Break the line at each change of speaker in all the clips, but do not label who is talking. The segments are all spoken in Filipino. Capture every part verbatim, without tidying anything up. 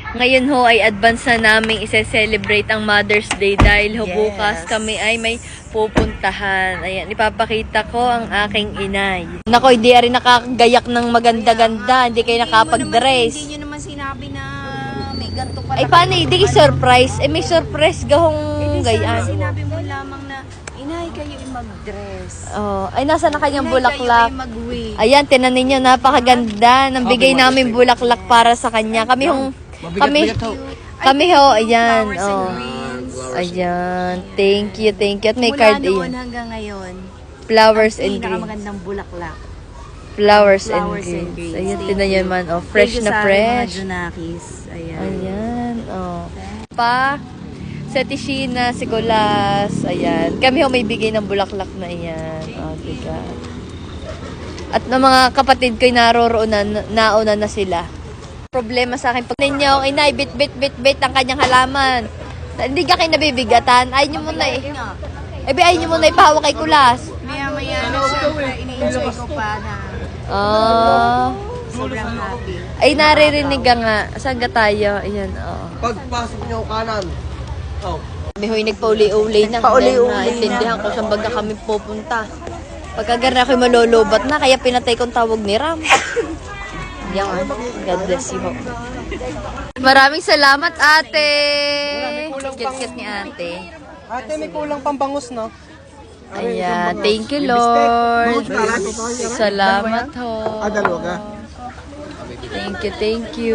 Ngayon ho ay advance na namin ise-celebrate ang Mother's Day dahil ho
Yes.
bukas kami ay may pupuntahan. Ayan, ipapakita ko ang aking inay. Nako, hindi rin nakagayak ng maganda-ganda. Hindi kayo nakapag-dress.
Hindi nyo naman sinabi na may ganito pala.
Ay, paano? Hindi surprise. Eh, may surprise gahong
Hindi
gayaan.
sinabi mo lamang na, inay kayo ay mag-dress.
Oh, ay, nasa na kanyang
Inay,
bulaklak.
kayo ay mag-wig.
Ayan, tinan ninyo, napakaganda. Nang bigay namin bulaklak para sa kanya. Kami hong, kami, kami ho, ayan.
Flowers and
Oh.
greens.
Ayan, thank you, thank you. At may
Mula
card
noon
ayan.
hanggang ngayon,
Flowers and greens.
pinakamagandang bulaklak.
Flowers and
Flowers and
greens.
greens.
Ayan,
Thank
tinan nyo
you.
man. Oh, fresh
Thank you
na
sa
fresh.
aking mga Junakis. Ayan.
Ayan, oh. Pa, sa Tishina, si Colas, ayan. Kami ho may bigay ng bulaklak na iyan. Oh, diga. At ng mga kapatid ko'y naroroon na, nauna na sila. Problema sa akin, pag ninyo, inay, bit, bit, bit, bit ang kanyang halaman. Hindi ka kayo nabibigatan. Ayaw nyo muna eh. Eh, ayaw nyo muna ipahawak kay Kulas.
Maya-maya na siyempre, ini-enjoy ko pa na
Oh.
sobrang happy.
Ay, naririnig ka nga. Saan ka tayo? Ayan, oo.
Pagpasok niyo kanan. Oh.
Kami ho'y nagpauli-uli na.
Pauli-uli
Dahil naintindihan ko saan baga kami pupunta. Pagkagar na ako'y malolobat na, kaya pinatay kong tawag ni Ram. Yan. God bless you ho. Maraming salamat, ate. Kit-kit ni ate.
Ate, may kulang pambangus, no?
Ayan. Thank you, Lord. Salamat ho.
Ah, dalawa ka?
Thank you, thank you.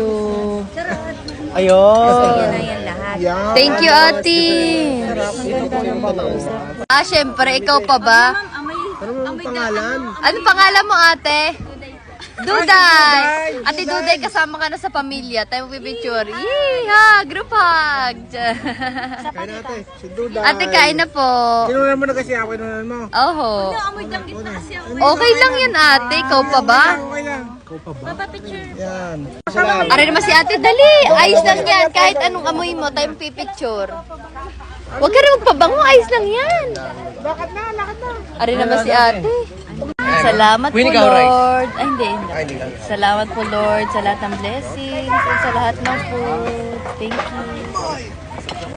Ayun.
Yan na yan lahat.
Yan.
Thank you, ate.
Ito po yung pambangus.
Ah, syempre, ikaw pa ba?
Amay,
Ano mo pangalan?
Ano pangalan mo, ate? Duday! Ate Duday, kasama ka na sa pamilya. Tayo pipicture. Yee! Ha! Group hug!
Kain ate. Si Duda.
Ate, kain na po.
Kinunan mo na kasi ako, kinunan mo.
Oho.
amoy danggit na kasi ako.
Okay lang yan, ate. Ikaw pa ba?
Okay lang. Ikaw pa ba?
Papapicture.
Yan. Salamat.
Ari naman si ate. Dali! Ayos lang yan. Kahit anong amoy mo, tayo pipicture. Huwag ka rin magpabango. Ayos lang yan.
Lakad na, lakad na.
Ari naman si ate. Salamat po, Lord. Ay, hindi, hindi. Salamat po, Lord, sa lahat ng blessings at sa lahat ng food. Thank you.